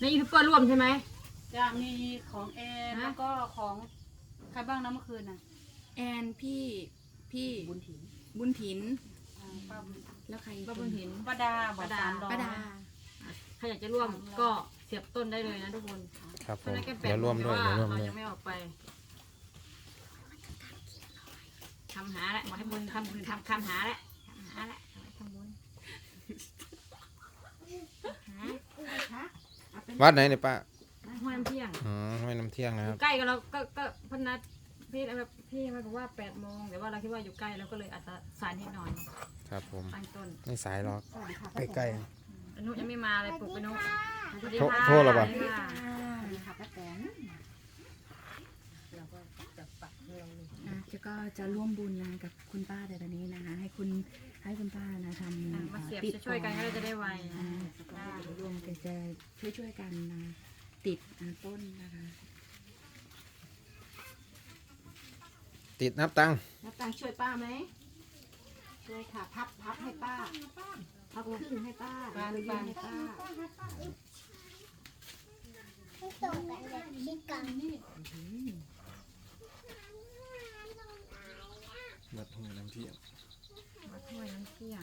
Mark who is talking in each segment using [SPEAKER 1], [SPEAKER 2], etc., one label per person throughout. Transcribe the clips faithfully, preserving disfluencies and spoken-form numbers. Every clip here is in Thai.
[SPEAKER 1] ยูทูบเบอร์ร่วมใช่ไหม
[SPEAKER 2] จะมีของแอนแล้วก็ของใครบ้างนะเมื่อคืนน่ะ
[SPEAKER 3] แอนพี่พี่บุญถินบุญถินแล้วใคร
[SPEAKER 1] ป้าบุญถิน
[SPEAKER 2] ป้าดาป้าดา
[SPEAKER 3] ป้าดา
[SPEAKER 1] ใครอยากจะร่วมก็เสียบต้นได้เลยนะทุกคน
[SPEAKER 4] ครับผมเดี๋ยวร่วมด้วยเดี๋ยวร่วม
[SPEAKER 1] เรา
[SPEAKER 4] ด้วย
[SPEAKER 1] ยังไม่ออกไปทำหาแหละบอกให้บุญทำบุญทำคำหาแหละทำหาแหละทำบุญหา
[SPEAKER 4] วัดไหนเนี่ยป้า
[SPEAKER 1] ห้วยน้ำเที่ยง
[SPEAKER 4] อ๋อไม่น้ำเที่ยงนะครับ
[SPEAKER 1] ใกล้กับเราก็ก็พนัดพี่แบบพี่มาบอกว่าแปดโมงแต่ว่าเราคิดว่าอยู่ใกล้เราก็เลยอาจจะสายนิดหน่อย
[SPEAKER 4] ครับผม
[SPEAKER 1] ตั้งต้น
[SPEAKER 4] ไม่สายหรอกใกล้
[SPEAKER 1] อนุยังไม่มาเลยปลุกไปนุ
[SPEAKER 4] โทษโทษเหรอเปล่า
[SPEAKER 1] สวัสดีค่ะ
[SPEAKER 2] ค่ะป้าแตน
[SPEAKER 3] อ่ะจะก็จะร่วมบุญนะกับคุณป้าในตอนนี้นะคะให้คุณให้คุณป้านะทำ
[SPEAKER 1] อ่ะมาเสียบ
[SPEAKER 3] ติด
[SPEAKER 1] จะช่วยกันก็จะได้ไว
[SPEAKER 3] อ่าก็รวมกันจะช่วยช่วยๆกันนะติดอ่าต้นนะคะ
[SPEAKER 4] ๆติดนับตังค์
[SPEAKER 5] นับตังค์ช่วยป้าไหมช่วยค่ะ พับพับให้ป้าพับครึ่งให้ป้าแล้วก็ยื่นให้ป้า
[SPEAKER 6] ตรงกันแบบคิดกันนี่
[SPEAKER 4] วัดห้วยน้ำเที่ยง
[SPEAKER 1] มาช่วยน้ำเที่ยง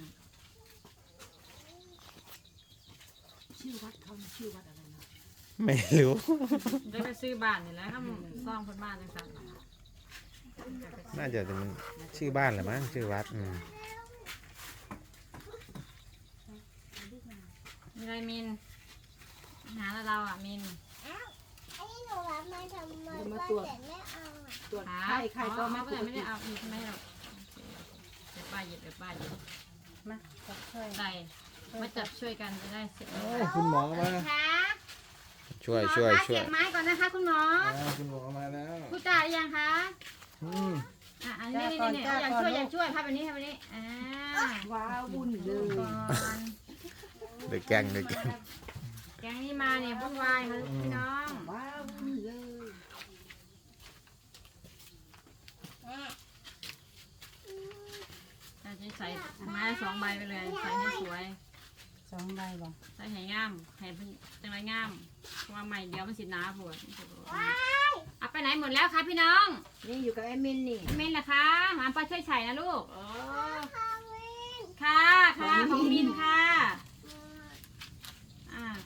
[SPEAKER 5] ชื่อวัดเขาชื่อวัดอะไรนะ
[SPEAKER 4] ไม่รู้
[SPEAKER 1] ได้ไปซื้อบ้านนี่แหละถ้าซ่องคนบ้านจังสัน
[SPEAKER 4] น่าจะเป็นชื่อบ้านแหละมั้งชื่อวัดอืม
[SPEAKER 1] มีอะไรมินหาเราอ่ะมิน
[SPEAKER 6] อันนี้หนูรับมาทำไมป้าแต่ไม่เอาอ่ะ
[SPEAKER 5] ตรวจ
[SPEAKER 1] หา
[SPEAKER 5] ไข้ใครก็มาตรวจ
[SPEAKER 1] ไม่ได้เอาอีกไม่หรอกเดี๋ยวป้าหยิบเดี๋ยวป้าหยิบ
[SPEAKER 2] มาจับช่วย
[SPEAKER 1] ใส่มาจับช่วยกันจะได้เสร็จ
[SPEAKER 4] คุณหมอมา
[SPEAKER 6] ค่ะ
[SPEAKER 4] ช่วยช่วยช่วย
[SPEAKER 1] เสียบไม้ก่อนนะคะคุณหมอ
[SPEAKER 4] คุณหมอมาแล้ว
[SPEAKER 1] พูดจาหรือยังคะ
[SPEAKER 4] อืม
[SPEAKER 1] อ่ะอันนี้นี่นี่อยากช่วยอยากช่วยภาพแบบนี้ภาพแบบนี้อ่า
[SPEAKER 5] ว้าวบุญเลย
[SPEAKER 1] ก่อน
[SPEAKER 4] เด็กแกงเด็กแกง
[SPEAKER 1] แกงนี้มาเนี่ยวุ่นวายค่ะพี่น้อง
[SPEAKER 5] ว้าวบุญเลย
[SPEAKER 1] อาจจะใส่ไม้สองใบไปเลยใส่ให้สวย
[SPEAKER 2] สองใบบ่
[SPEAKER 1] ใส่ให้งามให้เป็นจังไรงามเพราะว่าใหม่เดียวมันสิหนาปวดเอาไปไหนหมดแล้วคะพี่น้อง
[SPEAKER 5] นี่อยู่กับแอดมินนี่
[SPEAKER 1] เมนล่ะคะหาป้าช่วยใส่นะลูก
[SPEAKER 5] อ๋อ
[SPEAKER 1] ค่ะค่ะของมินค่ะอ่า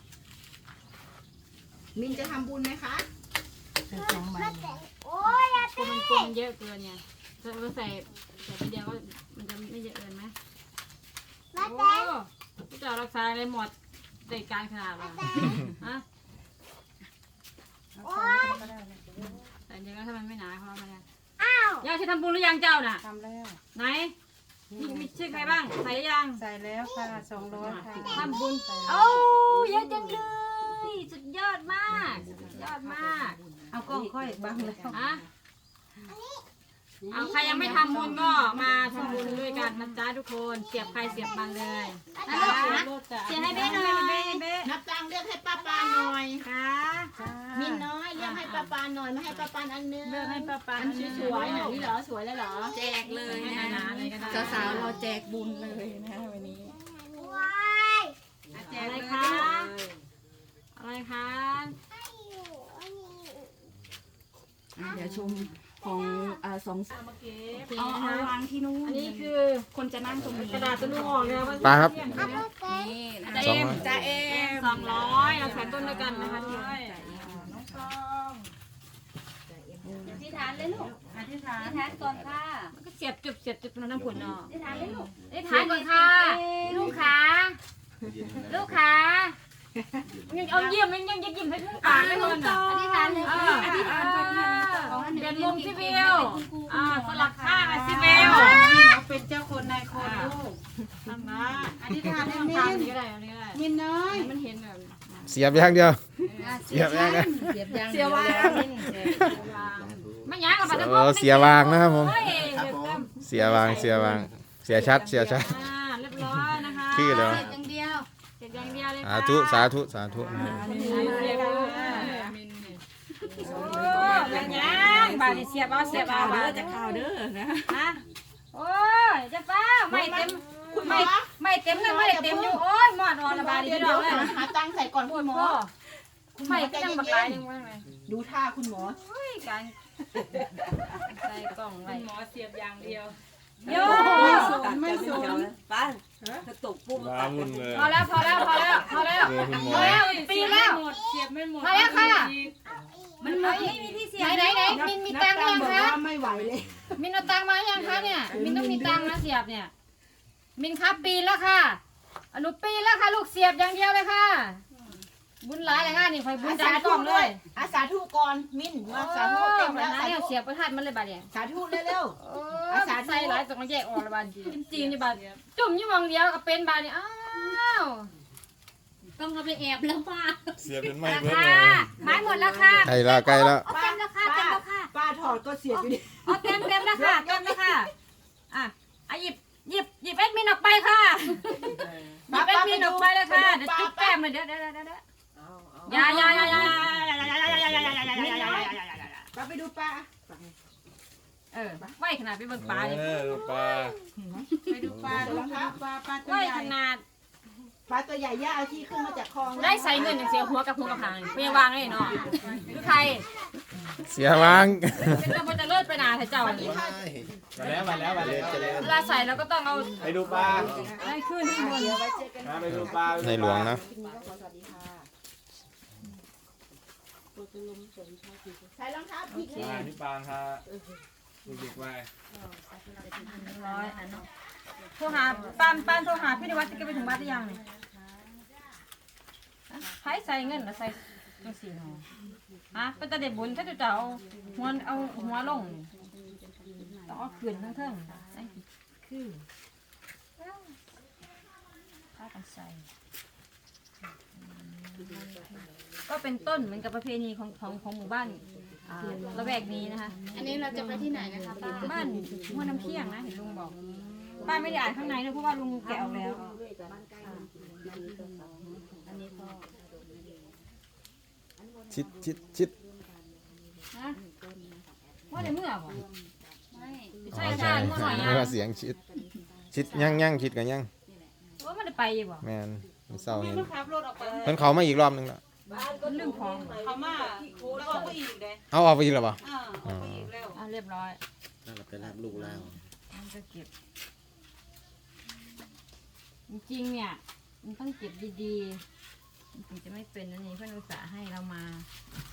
[SPEAKER 5] มินจะทำบุญไหมคะ
[SPEAKER 2] ใส่สองใบ
[SPEAKER 6] โอ้ยอย่า
[SPEAKER 1] ตัวมันกลมเยอะเกินไงถ้าเราใส่ใส่ทีเดียวก็มันจะไม่เยอะเกินไหม
[SPEAKER 6] มา
[SPEAKER 1] โอ้
[SPEAKER 6] แต่
[SPEAKER 1] พี่จ่อรักษาอะไรหมดเด็กการขนาดเลยฮะ
[SPEAKER 2] เอาใส่ก็ได้
[SPEAKER 1] แต่เดี๋ยวก็ถ้ามันไม่หนาเพราะมันเนี่ย
[SPEAKER 6] อ้าว
[SPEAKER 1] ย่าจะทำบุญหรือยังเจ้าน่ะ
[SPEAKER 2] ทำแล้ว
[SPEAKER 1] ไหนมีมีชื่อใครบ้างใส่ยัง
[SPEAKER 2] ใส่แล้วค่ะสองร้อยค่ะ
[SPEAKER 1] ทำบุญ
[SPEAKER 2] ใส่แล้ว
[SPEAKER 1] โอ้เยอะจังเลยสุดยอดมากสุดยอดมาก
[SPEAKER 2] เอากล้องค่อยบังแล้ว
[SPEAKER 1] ฮะเอาใครยังไม่ทำบุญก็มาทำบุญด้วยกันนะจ๊ะทุกคนเสียบใครเสียบมันเลยนะลูกนะเสียบให้เบ้หน่อยเบ้เบ้
[SPEAKER 5] นับตังค์เรียกให้ป้าปานหน่อย
[SPEAKER 1] ค่ะ
[SPEAKER 5] มินน้อยเรียกให้ป้าปานหน่อยมาให้ป้าปานอันนึง
[SPEAKER 1] เลือกให้ป้าปา
[SPEAKER 5] อันสวยๆหน่อยนี่เหรอสวยแล้วเหรอ
[SPEAKER 3] แจกเลย
[SPEAKER 1] ให้
[SPEAKER 3] นะ
[SPEAKER 1] หนาๆเลยก็ได้
[SPEAKER 3] สาวๆเราแจกบุญเลยนะคะวันนี้
[SPEAKER 6] ว้าย
[SPEAKER 1] แจกอะไรคะอะไรคะ
[SPEAKER 6] ให้อยู่อันนี้
[SPEAKER 3] อ่ะเดี๋ยวชมของอ่าสอง
[SPEAKER 1] โอเค
[SPEAKER 3] เอาเอาวางที่นู้น
[SPEAKER 1] อันนี้คือ
[SPEAKER 3] คนจะนั่งตรงนี้
[SPEAKER 1] กระดาษตัวนู้นออกเลยว่า
[SPEAKER 4] ป้าครับ
[SPEAKER 6] เอาไปเต้น
[SPEAKER 3] นี่นะ
[SPEAKER 1] จะ
[SPEAKER 3] คะ
[SPEAKER 1] เอ็ม
[SPEAKER 3] จะเอ็ม
[SPEAKER 1] สองร้อยเราแขวนต้นด้วยกันนะคะทุกคน
[SPEAKER 7] อธิษฐานเลยลูก
[SPEAKER 2] อธิษฐา
[SPEAKER 7] อน ธิษฐานก่อนค่ะ
[SPEAKER 1] มันก็เสียบจุบเสียบจุบน้ำผุนเนาะ
[SPEAKER 7] อธิษฐานเลยลูก
[SPEAKER 1] ได้ทานก่อนค่ะลูกขาลูกขายังเอาเยี่ยมยังยังยิ้มให้ลูกตาไม่หมดอ่ะ
[SPEAKER 7] อธิษฐานเลย
[SPEAKER 1] เอ
[SPEAKER 7] ค่ะ
[SPEAKER 1] อ
[SPEAKER 7] อธิษฐานก่อนค่ะ
[SPEAKER 1] เปลี่ยนมุมสิวิวอ่าสลับข้างอ่ะสิวิว
[SPEAKER 2] เป็นเจ้าคนนายคนลูก
[SPEAKER 1] ทำนะ
[SPEAKER 2] อธิษฐานให้มิ
[SPEAKER 1] ทำ
[SPEAKER 2] น
[SPEAKER 1] นี้ก็ได้อันนี้ก็ได้
[SPEAKER 2] มินน้อย
[SPEAKER 1] มันเห็นแบบ
[SPEAKER 4] เสียบอย่างเดียวเสียบอย่างเดียว
[SPEAKER 3] เสียบยาง
[SPEAKER 1] เสียวางไม่ยั้งกับปัตต
[SPEAKER 4] เออเสียวางนะครับผม
[SPEAKER 1] เฮ้ยเดี๋ยวเต็ม
[SPEAKER 4] เสียวางเสียวางเสียชัดเสียชัด
[SPEAKER 1] อ่าเรียบร้อยนะคะ
[SPEAKER 4] ขี้เลย
[SPEAKER 7] เสร็จอย่างเดียว
[SPEAKER 1] เสร็จอย่างเดียวเลย
[SPEAKER 4] สาธุสาธุสาธุนะ
[SPEAKER 1] เรียบร้อยโอ้ยยังบาดเสียบเอาเสียบเอา
[SPEAKER 3] เด้
[SPEAKER 1] บา
[SPEAKER 3] อ
[SPEAKER 1] ด
[SPEAKER 3] จะข่าวเด้อนะ
[SPEAKER 1] ฮะโอ้ยจะป้าไม่เต็มไม่ไม่เต็มเลยไม่เต็มอยู่โอ้ยหมอดอ่อนระบาดดี
[SPEAKER 5] เดี๋ยว
[SPEAKER 1] ดอกเลย
[SPEAKER 5] หาตังค์ใส่ก่อนคุณหมอ
[SPEAKER 1] โไฟก็ยังบักลายยังว่าไง
[SPEAKER 5] ดูท่าคุณหมอ
[SPEAKER 1] เฮ้ยการใส่กล่องไว้
[SPEAKER 2] คุณหมอเสียบอย่างเดียว
[SPEAKER 1] โย
[SPEAKER 5] ไม่สนไม่สน
[SPEAKER 8] ป้านกระตุกปุ๊บ
[SPEAKER 4] ว้าวุ่นเลย
[SPEAKER 1] พอแล้วพอแล้วพอแล้วพอแล้ว
[SPEAKER 4] เจอคุณหม
[SPEAKER 1] พ
[SPEAKER 4] อ
[SPEAKER 1] อแล้วปีแล้ว
[SPEAKER 2] หมดเสียบไม่หมด
[SPEAKER 1] มาแล้วค่ะ
[SPEAKER 7] มันไม่มีที่เสีย
[SPEAKER 1] ไหน
[SPEAKER 7] บ
[SPEAKER 1] ไหนไหนมินมีตังค์ยัง
[SPEAKER 5] บอก
[SPEAKER 1] คะ
[SPEAKER 5] ว่าไม่ไหวเลย
[SPEAKER 1] มินเอาตังค์มายังคะเนี่ยมินต้องมีตังค์นะเสียบเนี่ยมินครับปีนแล้วค่ะอนุปีนแล้วค่ะลูกเสียบอย่างเดียวเลยค่ะ บุญหลายเลยค่ะนี่คอยบุญดันกล่องเลย
[SPEAKER 5] อาสาธุก่อนมินมาสาธุเต็มแล้ว
[SPEAKER 1] นะ
[SPEAKER 5] สา
[SPEAKER 1] เนี่ย
[SPEAKER 5] ธุ
[SPEAKER 1] เสียบประทัดมันเลยบาดเนี่ย
[SPEAKER 5] สาธุเร็ว
[SPEAKER 1] อาสาใส่หลายตรงแยกออกเลยบาดจิ้มจีนอยู่บาดจุ่มอยู่มองเดียวก็เป็นบาดเนี่ยอ้าว
[SPEAKER 7] ต้องเอาไปแอบแล้วป้า
[SPEAKER 4] เสียเป็นไม้
[SPEAKER 1] รา
[SPEAKER 4] เบิด
[SPEAKER 1] คา
[SPEAKER 4] เลย
[SPEAKER 1] ไม้หมดแล้วค่ะ
[SPEAKER 4] ใกล้ละใกล้ละ
[SPEAKER 5] ๆป้า
[SPEAKER 7] เต็มแล้วค่ะเต็มแล้วค่ะ
[SPEAKER 5] ป้าถอดก็เสียบอยู่ดิ
[SPEAKER 1] เอาเต็มเต็มแล้วค่ะเต็มแล้วค่ะอ่ะอ่ะหยิบหยิบหยิบแอดมินออกไปค่ะหยิบแอดมินออกไปเลยค่ะเดี๋ยวจุ๊บแก้มเลยเดี๋ยวเดี๋ยวเดี๋ยวเดี๋ยวอย่าอย่าอย่าอย่าอย่าอย่าอย่าอย่าอย่าอย่าอย่าอย่าอย่าอย่าอย่าอย่า
[SPEAKER 5] ป้าไปดูป้า
[SPEAKER 1] เออไหวขนาดไปเบิ่งปลาดิ
[SPEAKER 4] เออดูปลา
[SPEAKER 2] ไปดูปลาดูปลาปลาปลาตัว
[SPEAKER 1] ไหว
[SPEAKER 2] ใหญ่
[SPEAKER 1] ขนาด
[SPEAKER 5] ปลาตัวใหญ่ย่าเอาที่ขึ้นมาจากคลอง
[SPEAKER 1] ได้ใส่เงินอย่างเสียหัวกับหัวกับหางเพียงวางเลยเนาะคือใคร
[SPEAKER 4] เสียวาง
[SPEAKER 1] เป็นตะบนจะเลิศไปนาเถอะเจ้านี่
[SPEAKER 4] มาแล้วมาแล้วมาแล้วจะแล้ว
[SPEAKER 1] เวลาใส่เราก็ต้องเอา
[SPEAKER 4] ไปดูปลา
[SPEAKER 1] ให้ขึ้นข้างบน
[SPEAKER 4] มาไปดูปลาในหลวงนะ
[SPEAKER 5] ใส่รองเท้าผิดเลย
[SPEAKER 4] ปลาที่ปางค่ะดูดิกไว้
[SPEAKER 1] ร้อยโทรหาป้านป้านโทรหาพี่นิวัฒน์จะไปถึงบ้านหรือยังเนี่ยใช้ใส่เงินแล้วใส่จังสี่หนอฮะเป็นตาเด็ดบุญถ้าจะเอาหัวเอาหัวลงต้องเอาขืนทั้งเทิงใส่คือถ้ากันใส่ก็เป็นต้นเหมือนกับประเพณีของของของหมู่บ้านอ่าละแวกนี้นะคะ
[SPEAKER 7] อันนี้เราจะไปที่ไหนนะคะป้า
[SPEAKER 1] บ้านหัวน้ำเที่ยงนะเห็นลุงบอกป้าไม่ได้อ่านข้างในเลยเพราะว่าลุงแกะออกแล้ว
[SPEAKER 4] ชิดชิดชิด
[SPEAKER 1] ว่าในเมื่อบ่
[SPEAKER 7] ไม่
[SPEAKER 1] ใช่
[SPEAKER 4] อ๋อ
[SPEAKER 1] ใช่เมื่อหน่อย
[SPEAKER 4] ไม่
[SPEAKER 1] นะ
[SPEAKER 4] ว่าเสียงชิด ชิดยั่งยั่งชิดกันยั่ง
[SPEAKER 1] ว่ามันได้ไปยังบ่
[SPEAKER 4] แมนมันเศร้าเห็น
[SPEAKER 2] มันขับรถออกไป
[SPEAKER 4] เพิ่นเขามาอีกรอบนึงแล้ว
[SPEAKER 1] มันเรื่องของ
[SPEAKER 2] เขามาแล้วออกไปอีกเลย
[SPEAKER 4] เอาออกไปอีกแล้วป่ะ
[SPEAKER 2] อ่าออกไปอีกแล้ว
[SPEAKER 1] อ่ะเรียบร้อย
[SPEAKER 8] นั่นเราไปรับลูกแล้ว
[SPEAKER 1] มันจะเก็บ จริงๆเนี่ยมันต้องเก็บดีๆมันถึงจะไม่เป็นนั่นเองเพื่อนอุตส่าห์ให้เรามา